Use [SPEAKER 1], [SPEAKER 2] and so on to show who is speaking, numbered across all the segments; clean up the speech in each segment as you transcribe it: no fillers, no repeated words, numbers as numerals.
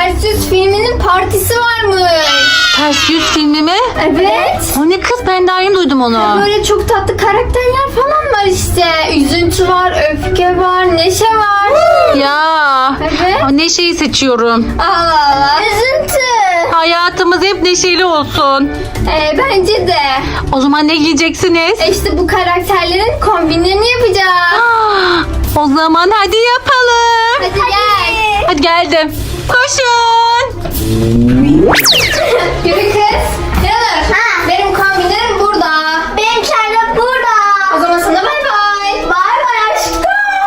[SPEAKER 1] Ters Yüz filminin partisi varmış.
[SPEAKER 2] Ters Yüz filmi mi?
[SPEAKER 1] Evet.
[SPEAKER 2] O ne kız, ben daha yeni duydum onu.
[SPEAKER 1] Böyle çok tatlı karakterler falan var işte. Üzüntü var, öfke var, neşe var.
[SPEAKER 2] Ya.
[SPEAKER 1] Evet.
[SPEAKER 2] Neşeyi seçiyorum.
[SPEAKER 1] Allah Allah. Üzüntü.
[SPEAKER 2] Hayatımız hep neşeli olsun.
[SPEAKER 1] Bence de.
[SPEAKER 2] O zaman ne giyeceksiniz?
[SPEAKER 1] İşte bu karakterlerin kombinlerini yapacağız.
[SPEAKER 2] O zaman hadi yapalım.
[SPEAKER 1] Hadi gel.
[SPEAKER 2] Hadi geldim. Koşun.
[SPEAKER 1] Yürü kız. Yanır. Benim kombinlerim burada. Benimkiler de burada. O zaman sana bay bay. Bay bay aşkım.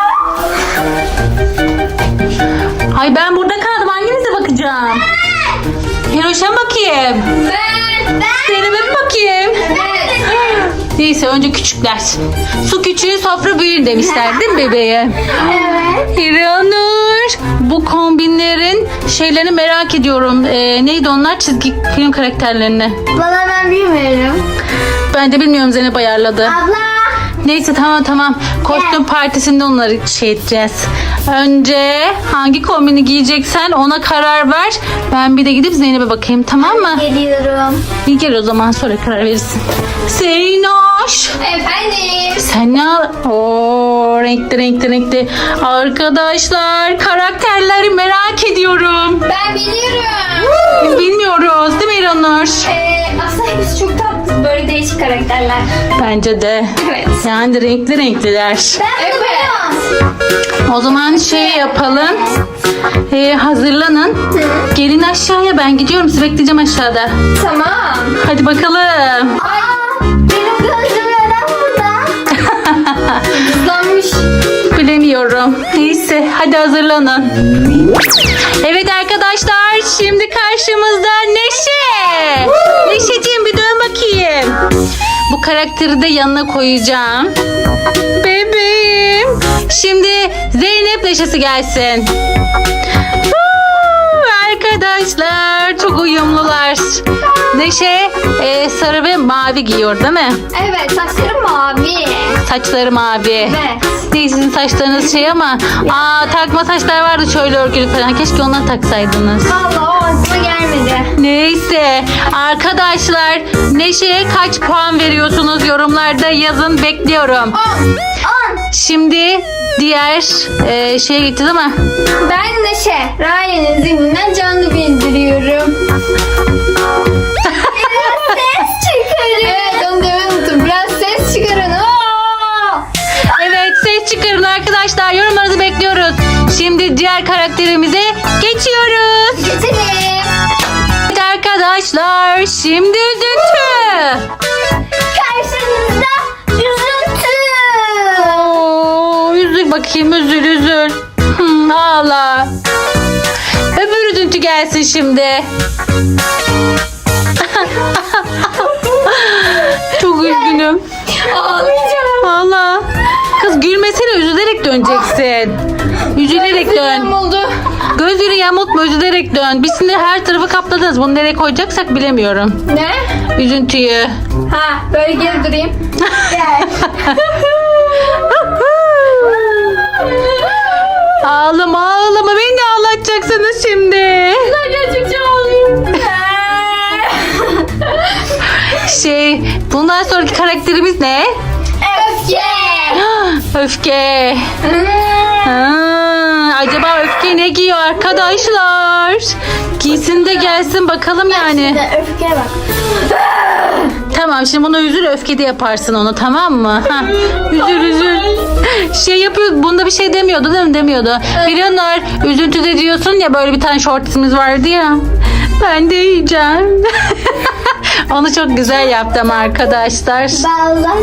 [SPEAKER 2] Ay ben burada kaldım. Hanginize bakacağım? Hiroş'a bakayım.
[SPEAKER 1] Ben.
[SPEAKER 2] Zeynep'e mi bakayım?
[SPEAKER 1] Evet.
[SPEAKER 2] Neyse önce küçükler. Su küçüğü sofra büyür demişler değil mi bebeğe?
[SPEAKER 1] Evet.
[SPEAKER 2] Hiranur. Bu kombinlerin şeylerini merak ediyorum. Neydi onlar? Çizgi film karakterlerini.
[SPEAKER 1] Valla ben bilmiyorum.
[SPEAKER 2] Ben de bilmiyorum, Zeynep ayarladı.
[SPEAKER 1] Abla.
[SPEAKER 2] Neyse tamam. Kostüm partisinde onları şey edeceğiz. Önce hangi kombini giyeceksen ona karar ver. Ben bir de gidip Zeynep'e bakayım, tamam mı?
[SPEAKER 1] Geliyorum.
[SPEAKER 2] İyi gel o zaman, sonra karar verirsin. Zeynoş.
[SPEAKER 1] Efendim.
[SPEAKER 2] Sen ne al? Oo, renkli. Arkadaşlar karakterleri merak ediyorum.
[SPEAKER 1] Ben biliyorum.
[SPEAKER 2] Biz bilmiyoruz değil mi İranur?
[SPEAKER 1] Aslında hepsi çok tatlı. Böyle değişik karakterler.
[SPEAKER 2] Bence de.
[SPEAKER 1] Evet.
[SPEAKER 2] Yani renkliler.
[SPEAKER 1] Evet.
[SPEAKER 2] O zaman şey yapalım. Hazırlanın. Gelin aşağıya, ben gidiyorum. Sizi bekleyeceğim aşağıda.
[SPEAKER 1] Tamam.
[SPEAKER 2] Hadi bakalım.
[SPEAKER 1] Benim gözüm neden burada? Hızlanmış.
[SPEAKER 2] Bilemiyorum. Neyse hadi hazırlanın. Evet arkadaşlar, şimdi karşımızda Neşe. Neşeciğim bir dön bakayım. Bu karakteri de yanına koyacağım. Bebeğim. Şimdi Zeynep Neşesi gelsin. Arkadaşlar çok uyumlular. Neşe sarı ve mavi giyiyor değil mi?
[SPEAKER 1] Evet, saçlarım mavi.
[SPEAKER 2] Saçları mavi.
[SPEAKER 1] Evet.
[SPEAKER 2] Değil, sizin saçlarınız şey ama takma saçlar vardı şöyle örgülü falan. Keşke onları taksaydınız.
[SPEAKER 1] Vallahi o aklıma gelmedi.
[SPEAKER 2] Neyse arkadaşlar, Neşe'ye kaç puan veriyorsunuz yorumlarda yazın, bekliyorum.
[SPEAKER 1] 10.
[SPEAKER 2] Şimdi diğer şeye gitti değil mi?
[SPEAKER 1] Ben Neşe. Ryan'ın zihninden canlı bildiriyorum. Biraz ses çıkarın. Evet, onu demeyi unuttum. Biraz ses çıkarın.
[SPEAKER 2] Evet, ses çıkarın arkadaşlar, yorumlarınızı bekliyoruz. Şimdi diğer karakterimize geçiyoruz.
[SPEAKER 1] Geçelim.
[SPEAKER 2] Evet arkadaşlar, şimdi üzüntü.
[SPEAKER 1] Karşınızda üzüntü.
[SPEAKER 2] Oo, üzül bakayım, üzül. Ağla. Öbür üzüntü gelsin şimdi. Çok üzgünüm.
[SPEAKER 1] Ağlayacağım.
[SPEAKER 2] Ağla. Kız gülmesene, üzülerek döneceksin. Üzülerek dön.
[SPEAKER 1] Üzüntüm oldu.
[SPEAKER 2] Gözleri yamultma, üzülerek dön. Biz şimdi her tarafı kapladınız. Bunu nereye koyacaksak bilemiyorum.
[SPEAKER 1] Ne?
[SPEAKER 2] Üzüntüyü.
[SPEAKER 1] Ha, böyle geri durayım. Gel.
[SPEAKER 2] Ağlama. Beni de ağlatacaksınız şimdi.
[SPEAKER 1] Gerçekten ağlayayım.
[SPEAKER 2] Bundan sonraki karakterimiz ne?
[SPEAKER 1] Öfke.
[SPEAKER 2] Öfke. Acaba Öfke ne giyiyor arkadaşlar? Giysin de gelsin bakalım yani.
[SPEAKER 1] Öfke bak.
[SPEAKER 2] Tamam, şimdi bunu üzül, öfkede yaparsın onu, tamam mı? Üzül. Şey yapıyor, bunda bir şey demiyordu değil mi? Demiyordu. Biliyorlar, üzüntüde diyorsun ya, böyle bir tane shortsimiz vardı ya. Ben de yiyeceğim. Onu çok güzel yaptım arkadaşlar.
[SPEAKER 1] Baldan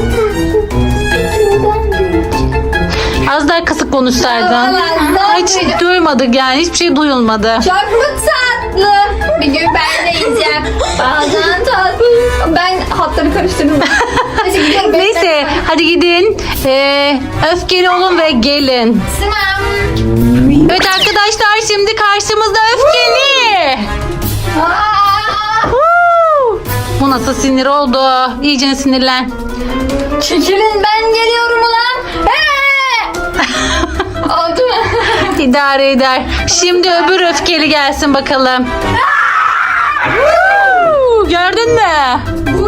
[SPEAKER 2] Az daha kısık konuşsaydın. Hiç duymadık yani, hiçbir şey duyulmadı.
[SPEAKER 1] Çok mu tatlı? Bir gün ben de yiyeceğim. Bazen tatlı. Ben hatları karıştırdım. Neyse gidiyorum.
[SPEAKER 2] Neyse hadi gidin. Öfkeli olun ve gelin.
[SPEAKER 1] Tamam.
[SPEAKER 2] Evet arkadaşlar, şimdi karşımızda Öfkeli. Bu nasıl sinir oldu? İyice sinirlen.
[SPEAKER 1] Çekilin, ben geliyorum ulan. Oldu mu?
[SPEAKER 2] İdare eder. Şimdi öbür öfkeli gelsin bakalım. Gördün mü?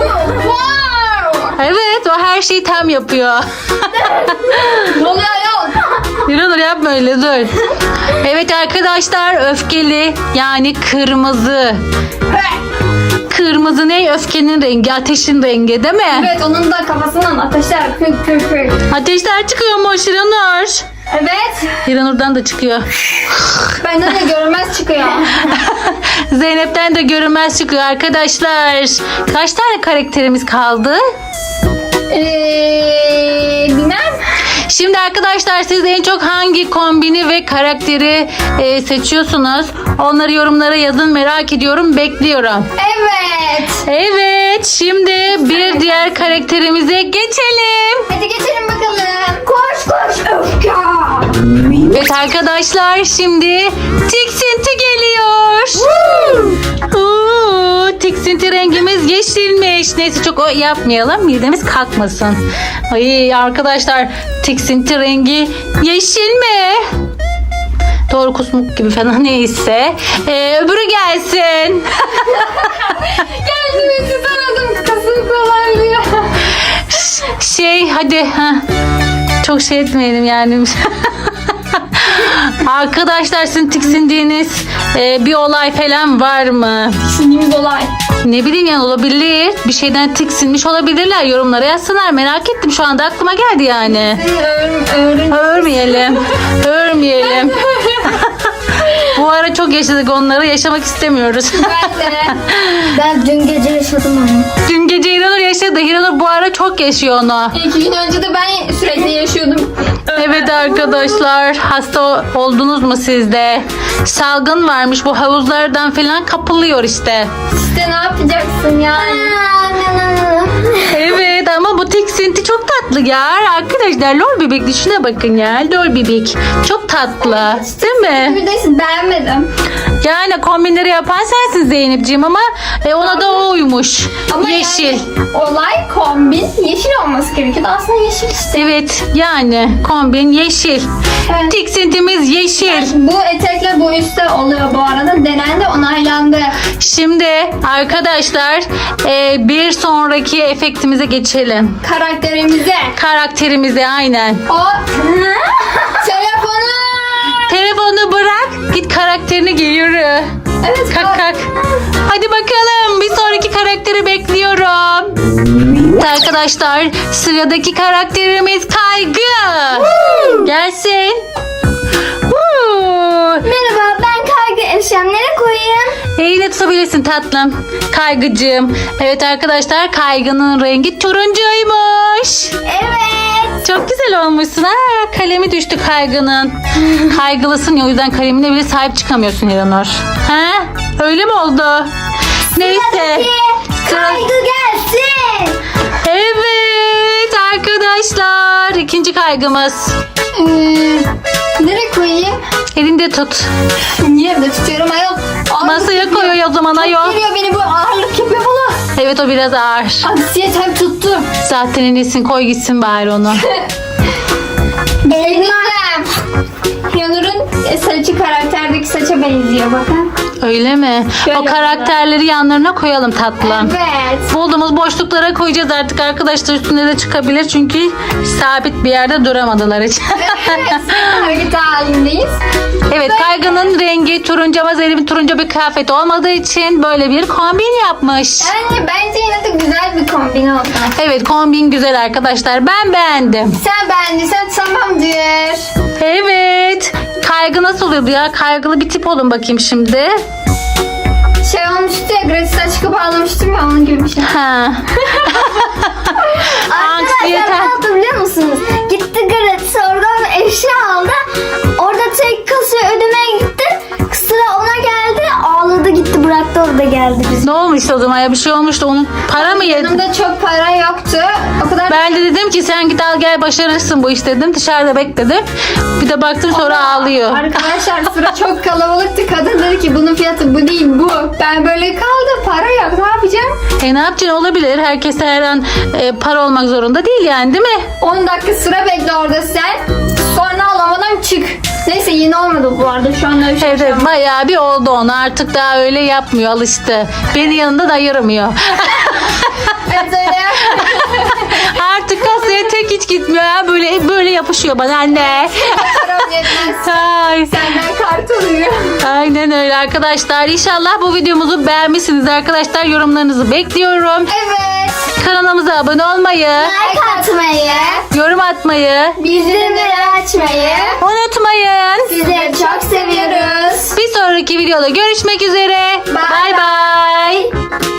[SPEAKER 1] Wow.
[SPEAKER 2] Evet, o her şeyi tam yapıyor.
[SPEAKER 1] Ne oluyor yok?
[SPEAKER 2] Dur yapma öyle, dur. Evet arkadaşlar, öfkeli yani kırmızı. Kırmızı ne? Öfkenin rengi, ateşin rengi değil mi?
[SPEAKER 1] Evet, onun da kafasından ateşler kök kök kök.
[SPEAKER 2] Ateşler çıkıyor mu Hiranur?
[SPEAKER 1] Evet.
[SPEAKER 2] Hiranur'dan da çıkıyor.
[SPEAKER 1] Benden de görünmez çıkıyor.
[SPEAKER 2] Zeynep'ten de görünmez çıkıyor arkadaşlar. Kaç tane karakterimiz kaldı?
[SPEAKER 1] Bilmem.
[SPEAKER 2] Şimdi arkadaşlar, siz en çok hangi kombini ve karakteri seçiyorsunuz? Onları yorumlara yazın, merak ediyorum, bekliyorum.
[SPEAKER 1] Evet.
[SPEAKER 2] Evet, şimdi bir diğer karakterimize geçelim.
[SPEAKER 1] Hadi geçelim bakalım. Koş koş öfke.
[SPEAKER 2] Evet arkadaşlar, şimdi tiksinti geliyor. Tiksinti rengimiz yeşilmiş. Neyse, çok o yapmayalım, midemiz kalkmasın. Ay arkadaşlar, tiksinti rengi yeşil mi? Doğru, kusmuk gibi falan, neyse. Öbürü gelsin.
[SPEAKER 1] Geldim tutamadım. Kasım kolaylıyor.
[SPEAKER 2] Hadi. Çok şey etmeyelim yani. Arkadaşlar, sizin tiksindiğiniz bir olay falan var mı?
[SPEAKER 1] Sinimiz olay.
[SPEAKER 2] Ne bileyim yani, olabilir. Bir şeyden tiksinmiş olabilirler. Yorumlara yazsınlar. Merak ettim, şu anda aklıma geldi yani. Örmeyelim. Örmeyelim. Bu ara çok yaşadık onları. Yaşamak istemiyoruz.
[SPEAKER 1] Ben de. Ben dün gece yaşadım onu.
[SPEAKER 2] Dün gece Hiranur yaşadı. Hiranur bu ara çok yaşıyor onu.
[SPEAKER 1] 2 gün önce de ben sürekli yaşıyordum.
[SPEAKER 2] Evet arkadaşlar, hasta oldunuz mu siz de? Salgın varmış, bu havuzlardan falan kapılıyor işte.
[SPEAKER 1] İşte ne yapacaksın yani?
[SPEAKER 2] Evet, ama bu tiksinti çok tatlı ya. Arkadaşlar, lol bebek düşüne bakın ya. Lol bebek çok tatlı, değil mi?
[SPEAKER 1] Bir de beğenmedim.
[SPEAKER 2] Yani kombinleri yapan sensin Zeynepciğim, ama ona da o uymuş.
[SPEAKER 1] Ama
[SPEAKER 2] Yeşil.
[SPEAKER 1] yani olay kombin yeşil olması gerekiyordu. Aslında yeşil işte.
[SPEAKER 2] Evet, yani kombin yeşil.
[SPEAKER 1] Evet.
[SPEAKER 2] Tiksintimiz yeşil.
[SPEAKER 1] Bu etekle bu üstte oluyor bu arada. Denendi, onaylandı.
[SPEAKER 2] Şimdi arkadaşlar, bir sonraki efektimize geçelim.
[SPEAKER 1] Karakterimize.
[SPEAKER 2] Karakterimize, aynen.
[SPEAKER 1] O telefonu.
[SPEAKER 2] Telefonu bırak, git karakterini giy, yürü.
[SPEAKER 1] Evet.
[SPEAKER 2] Kalk kalk. Hadi bakalım, bir sonraki karakteri bekliyorum. Arkadaşlar, sıradaki karakterimiz Kaygı. Gelsin.
[SPEAKER 1] Merhaba, ben Kaygı. Eşyamları koyayım.
[SPEAKER 2] Eline tutabilirsin tatlım. Kaygıcığım. Evet arkadaşlar, Kaygı'nın rengi turuncuymuş.
[SPEAKER 1] Evet.
[SPEAKER 2] Çok güzel olmuşsun. Kalemi düştü Kaygı'nın. Kaygılısın ya, o yüzden kalemine bile sahip çıkamıyorsun Hiranur. Ha? Öyle mi oldu? Neyse.
[SPEAKER 1] Kaygı gelsin.
[SPEAKER 2] Evet arkadaşlar, ikinci kaygımız.
[SPEAKER 1] Nereye koyayım?
[SPEAKER 2] Elinde tut.
[SPEAKER 1] Niye evde tutuyorum ayol?
[SPEAKER 2] Masaya koyuyor o zaman ayol.
[SPEAKER 1] Geliyor, beni bu ağırlık yapıyor bana.
[SPEAKER 2] Evet, o biraz ağır.
[SPEAKER 1] Anksiyetem tuttu.
[SPEAKER 2] Zaten en iyisi koy gitsin bari onu.
[SPEAKER 1] Elmem. Yanur'un saçı karakterdeki saça benziyor bakın.
[SPEAKER 2] Öyle mi?
[SPEAKER 1] Şöyle
[SPEAKER 2] O karakterleri yanlarına koyalım tatlım.
[SPEAKER 1] Evet.
[SPEAKER 2] Bulduğumuz boşluklara koyacağız artık arkadaşlar, üstüne de çıkabilir çünkü sabit bir yerde duramadılar hiç.
[SPEAKER 1] Evet. Hareket halindeyiz.
[SPEAKER 2] Evet, Kaygı'nın rengi turuncu ama Zeynep'in turuncu bir kıyafet olmadığı için böyle bir kombin yapmış.
[SPEAKER 1] Yani bence yine de güzel bir kombin oldu.
[SPEAKER 2] Evet, kombin güzel arkadaşlar, ben beğendim.
[SPEAKER 1] Sen beğendiysen tamamdır.
[SPEAKER 2] Evet, Kaygı nasıl oluyordu ya? Kaygılı bir tip olun bakayım şimdi.
[SPEAKER 1] Şey olmuştu ya, gratis açık bağlamıştım ya, onun gibi bir şey.
[SPEAKER 2] Ha. Anksiyete.
[SPEAKER 3] Arkadaşlar ne oldu biliyor musunuz? Gitti gratis oradan eşya aldı. Orada tek kasaya ödemeye gitti. Sıra ona geldi. Ağladı gitti, bıraktı, orada geldi biz.
[SPEAKER 2] Ne olmuş o zaman ya, bir şey olmuştu, onun para mı yedi?
[SPEAKER 1] Yanımda çok para yoktu. O kadar
[SPEAKER 2] Ben de dedim ki sen git al gel, başarırsın bu iş dedim, dışarıda bekledim. Bir de baktım sonra ağlıyor.
[SPEAKER 1] Arkadaşlar sıra çok kalabalıktı. Kadın dedi ki bunun fiyatı bu değil bu. Ben böyle kaldım, para yok, ne yapacağım?
[SPEAKER 2] Ne yapacaksın, olabilir. Herkese her an para olmak zorunda değil yani, değil mi?
[SPEAKER 1] 10 dakika sıra bekle orada sen. Sonra alamadan çık. Neyse yeni olmadı bu arada. Şu anda bir şey
[SPEAKER 2] Evet, evet, bayağı bir oldu ona. Artık daha öyle yapmıyor, alıştı. Beni yanında da ayıramıyor.
[SPEAKER 1] Evet öyle
[SPEAKER 2] Artık kasaya tek hiç gitmiyor ya. Böyle yapışıyor bana anne.
[SPEAKER 1] Param yetmez.
[SPEAKER 2] Ay.
[SPEAKER 1] Senden kart alıyor.
[SPEAKER 2] Aynen öyle arkadaşlar. İnşallah bu videomuzu beğenmişsiniz arkadaşlar. Yorumlarınızı bekliyorum.
[SPEAKER 1] Evet.
[SPEAKER 2] Kanalımıza abone olmayı,
[SPEAKER 3] Like atmayı,
[SPEAKER 2] yorum atmayı
[SPEAKER 3] bildirimleri açmayı.
[SPEAKER 2] unutmayın.
[SPEAKER 3] Sizleri çok seviyoruz.
[SPEAKER 2] Bir sonraki videoda görüşmek üzere.
[SPEAKER 1] Bye
[SPEAKER 2] Bay bay.